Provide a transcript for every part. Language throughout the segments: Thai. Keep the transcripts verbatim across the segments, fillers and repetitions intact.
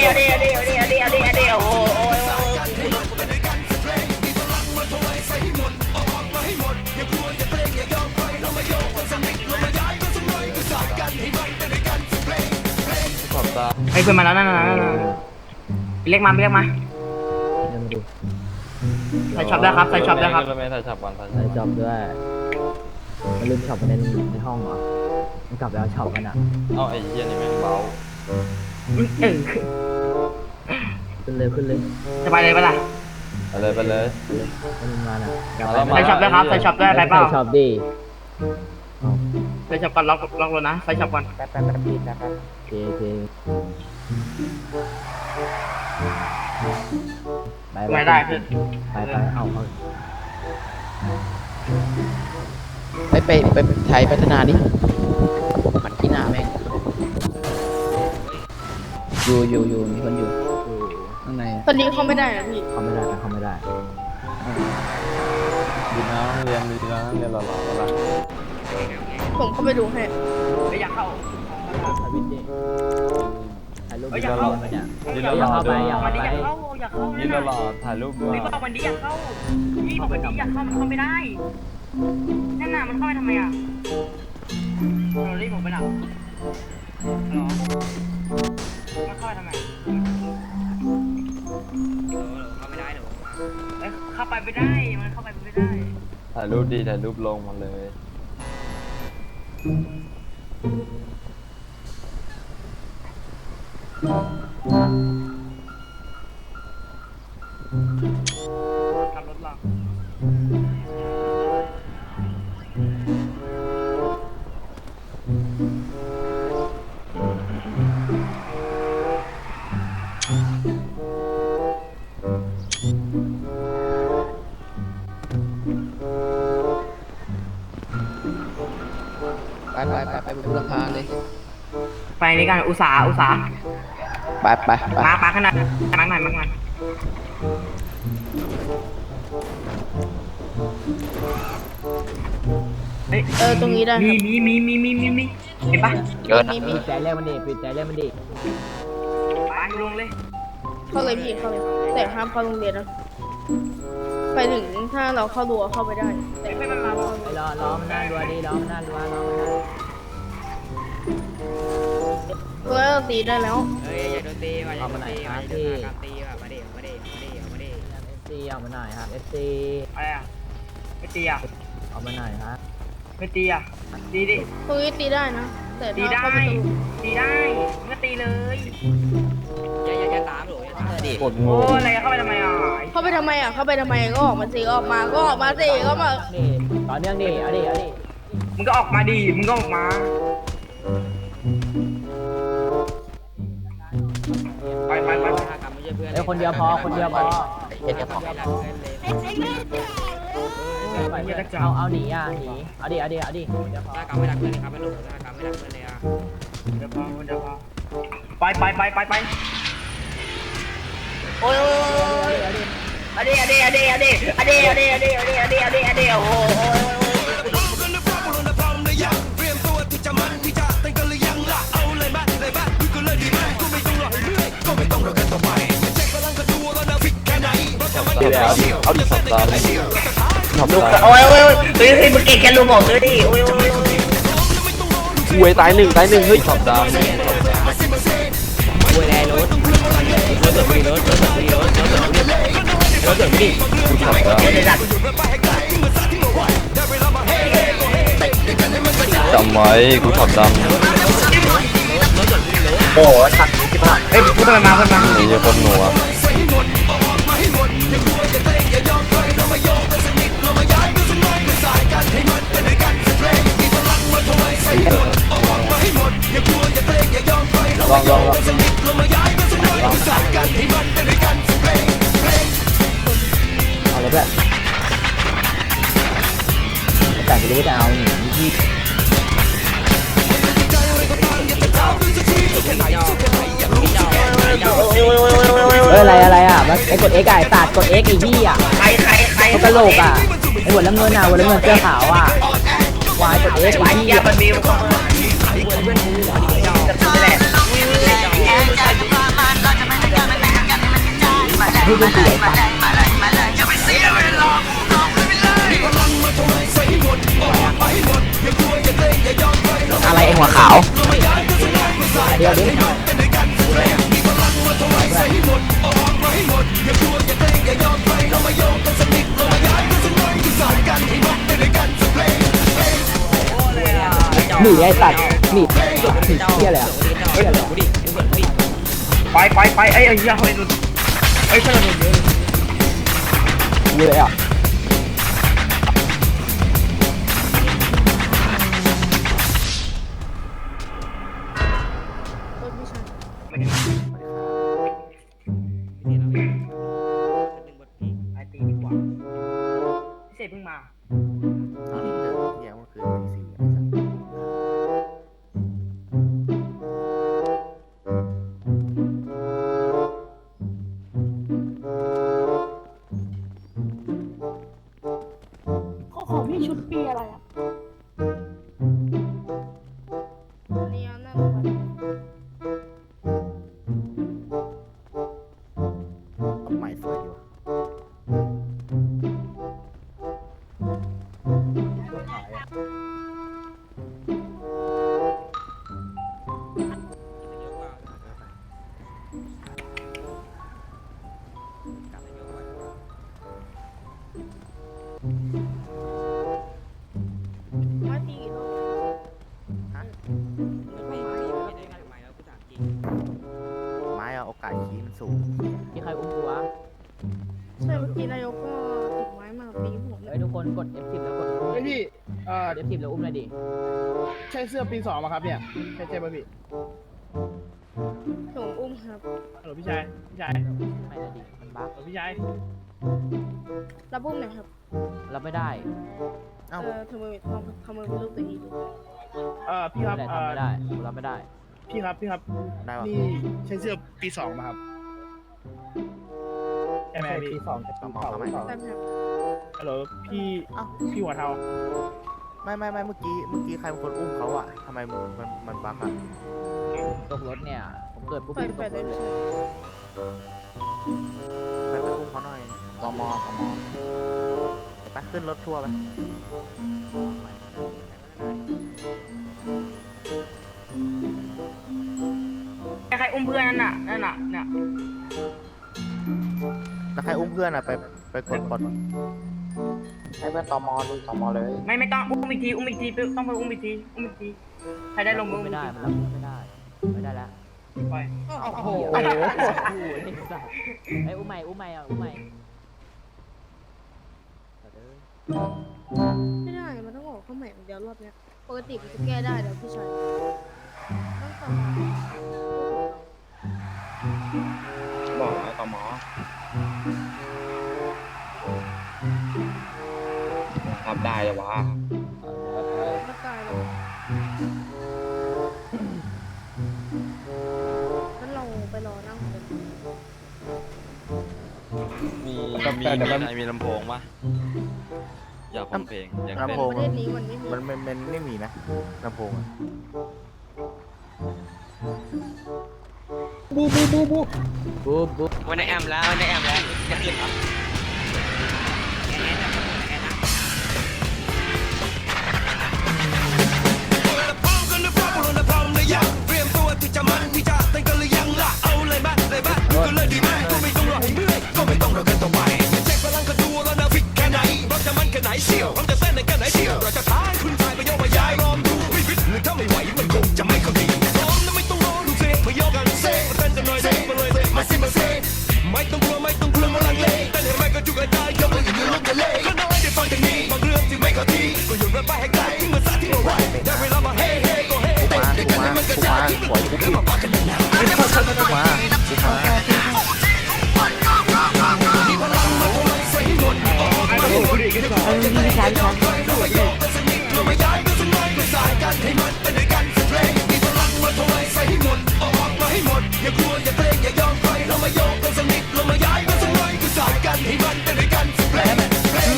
เอาดิเอาดิเอาดิเอาดิเอาดิเอาดิโอ้โหโอ้ยขอบตาไอ้เพื่อนมาแล้วนั่นนั่นนั่นเรียกมาเรียกมาใส่ช็อปได้ครับใส่ช็อปได้ครับไม่ใส่ช็อปก่อนใส่ใส่ช็อปด้วยมันลืมช็อปไปในในห้องเหรอมันกลับไปเอาช็อปกันอ่ะเอ้าไอ้เหี้ยนี่แม่งเบาเออขึ้นเลยขึ้นเลยจะไปเลยปะล่ะไปเลยไปเลยให้มันมาน่ะกลับใส่ช็อปได้ครับใส่ช็อปได้ไปเปล่าใส่ช็อปดิเอาใส่ช็อปก่อนล็อกล็อกรถนะใส่ช็อปก่อนแป๊บแป๊บแป๊บแป๊บแป๊บโอเคโอเคไปไม่ได้คือไปไปเอาเอาไปไปไปไทยพัฒนาดิมันที่หน้าแม่งอยู่อยู่อยู่มีคนอยู่อยู่ข้างในตอนนี้เขาไม่ได้นะพี่เขาไม่ได้เขาไม่ได้ดีนะเรียนดีนะเรียนหล่อๆแล้วล่ะผมเข้าไปดูให้ไม่อยากเข้าถ่ายวิดีโอถ่ายรูปเอ้ยวิอยากดีโอเข้ามันเนี่ยดีอหล่ย่าอเข้าๆไปด้วยอย่าวันเข้านี้ไปอยากเข้าอยากเข้าดีหล่อๆถ่ายรูปด้วยพี่บอกวันนี้อยากเข้าพี่บอกวันนี้อยากเข้ามันเข้าไม่ได้นั่นน่ะมันเข้าไปทำไมอ่ะเรารีบผมไปหนักหรอมันเข้าไปทำไมเข้าไม่ได้หรอเอ้ยเข้าไปไม่ได้มันเข้าไปไม่ได้ถ่ายรูปดีถ่ายรูปลงมาเลยขับรถหรอไปไปไปไปบุรพาเลยไปนี่กันอุตสาห์อุตสาห์ไปไปไปมาปาขนาดมากหน่อยมากหน่อยเฮ้ยเออตรงนี้ได้คมีรับมีมีมีมีมีมีเห็นปะเกินนะมีมีปิดใจเล่มันดิปิดใจเล่มันดิไปลงเลยเข้าเลยพี่เข้าเลย แต่ห้ามเข้าโรงเรียนนะ ไปถึงถ้าเราเข้ารั้วเข้าไปได้ แต่ไม่ไม่ไม่มามาไปรอรอมันน่ารัวดิรอมันน่ารัวรอมันน่ารั้วเราตีได้แล้วเฮ้ยอย่าโดนตีว่ะอย่าเอาโดมาน ไหนตีคว่ะรับอย่าโดที่นการตีว่ะมาดิมาดิมาดิมาดิเอฟซีเอามาหน่อยครับเอฟซีอะไรอ่ะไม่ตีอ่ะเอามาหน่อยครับไม่ตีอ่ะตีดิตรงนี้ตีได้นะ แต่ตีถ้าได้เข้าไปตรงตีได้มึงก็ตีเลยอย่าอย่าอย่าตามหรอกอย่าตามดิกดงโอ้งอะไรเข้าไปทำไมอ่ะเข้าไปทำไมอ่ะ เข้าไปทำไมก็ออกมาสิออกมา ก็ออกมาสิก็มานี่ต่อเนื่องดิเอาดิเอาดิมึงก็ออกมาดิมึงก็ออกมาไปไปไปถ้ากรรมไม่ใช่เพื่อนเอ้ยคนเดียวพอคนเดียวพอเห็นยังพอไม่รักเพื่อนเลยเอาเอาหนีอ่ะหนีเอาดิเอาดิเอาดิคนเดียวพอถ้ากรรมไม่รักเพื่อนเลยครับไม่รู้ถ้ากรรมไม่รักเพื่อนเลยอ่ะเดี๋ยวพอเดี๋ยวพอไปไปไปไปไปโอ้ยอดีอดีอดีอดีอดีอดีอดีอดีอดีอดีอดีโอ้โหดีแล้วเอาดิขอบตาเลยขอบลูกตาโอ้ยโอ้ยโอ้ยเฮ้ยเฮ้ยมึงเก่งแค่ลูกบอกซื้อดิโอ้ยโอ้ยอวยตายหนึ่งตายหนึ่งเฮ้ยขอบตาเลยคุยแรงรถรถเกิดมีรถรถเกิดมีรถรถเกิดมีรถเกิดมีขอบตาเดี๋ยวเดี๋ยวดัดจำไว้กูขอบดำโอ้โหทันที่ผ่านเฮ้ยพูดทำไมมาเพื่อนมาไอ้เหี้ยคนหนัวลองลองลองเอาเลยเพื่อนแต่ไม่รู้จะเอาหนีที่เฮ้ยอะไรอะไรอ่ะมันไอ้กด X อ่ะไอ้ตัดกด X ไอ้พี่อ่ะใครใครใครเขากระโหลกอ่ะไอ้หัวน้ำเงินอ่ะหัวน้ำเงินเสื้อขาวอ่ะวายกด X ไอ้ไอ้พี่ยาบันมิวเข้ามาจะพูดแหละหัวขาวเดี๋ยวดิ หนีไอ้สัตว์หนีหนีเที่ยอะไรอ่ะเฮ้ยกูดิกูดิไปไปไปไอ้ไอ้เหี้ยเฮ้ยนุ่นไอ้เพื่อนนุ่นเยอะกูเลยอ่ะรถพี่ชายไม่ได้นี่นะพี่หนึ่งบทพี่ไอ้ตีดีกว่าพี่เสกเพิ่งมาเที่ยงเมื่อคืนตีสี่ไอ้สัสขอขอพี่ชุดปีอะไรอ่ะนี่อันนั่นเลยต้นไม้สวยดีว่ะมาตีกี่รอบไม่ไม่ไม่ได้กันทำไมแล้วกูถามจริงไม้อะโอกาสขี้มันสูงมีใครอุ้มกูวะใช่เมื่อกี้นายกก็ติดไม้มาตีผมเลเฮ้ยยทุกคนกด เอฟ สิบ แล้วกดอุ้มเฮ้ยพี่เอ่อเอฟ สิบ แล้วอุ้มเลยดิใช่เสื้อปีสองมาครับเนี่ยใช่ใช่ป่ะพี่ผมอุ้มครับฮัลโหลพี่ชายพี่ชายไม่ได้ดิ มันบั๊กฮัลโหลพี่ชายรับอุ้มหน่อยครับรับไม่ได้เอ้าเออทำมือทำทำมือเป็นรูปตัวอีดูเอ่อพี่ครับไม่ได้เอ่ทำอไม่ได้กูรับไม่ได้พี่ครับพี่ครับได้ป่ะนี่ใช่เสื้อปีสองมาครับใช่ไหมพี่ปีสองจะต่ปีอมอเก่าเขาไหมแป๊บครับฮัลโหลพี่เอ้าพี่หัวเทาไม่ไม่ไม่เมื่อกี้เมื่อกี้ใครเป็นคนอุ้มเขาอะทำไมมันมันมันบั๊กอะตกรถเนี่ย ผมเกิดปุ๊บไปผมตไปกรได้ถเลเลย ยไปไปอุ้มเขาหน่อยตมตมไปขึ้นรถทัวร์ไปไอ้ใครอุ้มเพื่อนนั่นน่ะนั่นน่ะเนี่ยแล้วใครอุ้มเพื่อนอะไปไปกดกดให้เพื่อนตมดูตมเลยไม่ไม่ต้องอุ้มอีกทีอุ้มอีกทีต้องไปอุ้มอีกทีอุ้มอีกทีใครได้ลงมือไม่ได้ มันรับไม่ได้ ไม่ได้แล้วไปโอ้โหไอ้อุ้มใหม่อุ้มใหม่อ่ะอุ้มใหม่ไม่ได้ มันต้องออกเข้าใหม่อย่างเดียวรอบเนี้ย ปกติมันจะแก้ได้เดี๋ยวพี่ชายต้องต่อบอกแล้วต่อหมอทำได้เลยวะไม่ตายหรอกงั้นเราไปรอนั่งกันมีมีมีอะไรมีลำโพงปะอยากฟังเพลงอยากลำเต้นโพงประเทศนี้มันไม่มีมันมันมันไม่มีนะลำโพงอะบูบูวันในแอมแล้ววันในแอมแล้วจะขึ้นครับไม่ต้องกลัวไม่ต้องกลัวมาลังเลแต่ในแม่ก็จุกได้ยกมืออยู่ในรถทะเลก็น้อยได้ฟังจากนี้บางเรื่องที่ไม่เข้าทีก็โยนไปให้ไกลทิ้งมาซะที่มาไว้ได้เวลามาเฮ้เฮ้ก็เฮ้เต้นด้วยกันให้มันกระจายทิ้งหมดแล้วมาปักกันนานๆไม่ต้องทำกันมามีพลังมาทำลายใส่หมดออกมาให้หมดจะได้แค่ยอมใครเราไม่ยอมกันสักนิดเราไม่ย้ายกันสักน้อยก็สายกันให้มันเป็นด้วยกันสักเพลงมีพลังมาทำลายใส่หมดออกมาให้หมดอย่ากลัวอย่าเกรงอย่ายอมใครเราไม่ยอมกันสักนิดเราไม่ย้ายกันสักน้อยก็สายกันให้มันเป็นด้วยกันสักเพลงเพลง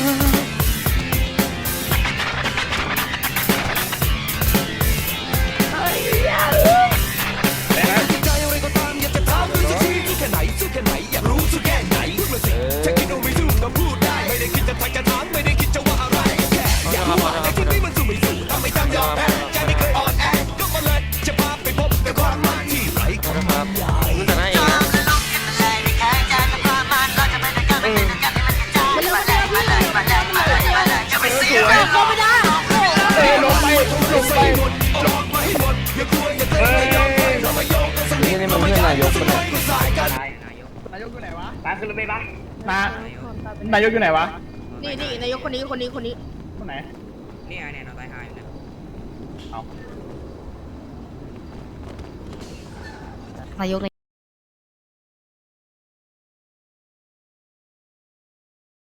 ใจอะไรก็ตามอยากจะถามดูสักทีสู้แค่ไหนสู้แค่ไหนอยากรู้สู้แค่ไหนพูดมาสิฉันคิดว่าไม่สู้ก็พูดได้ไม่ได้คิดจะทักจะถามไม่ได้คิดจะว่าอะไรแค่อยากรู้ว่าไอ้ที่นี่มันสู้ไม่สู้ทำไม่ทำยอมแพ้ใจไม่เคยอ่อนแอนี่นี่มันเพื่อนนายกปะเนี่ยนายกอยู่ไหนวะไปขึ้นรถเมล์ปะนายนายกอยู่ไหนวะนี่นี่นายกคนนี้คนนี้คนนี้คนไหนนี่ไงเนี่ยนอนตายหายอยู่เนี่ยเอานายกใน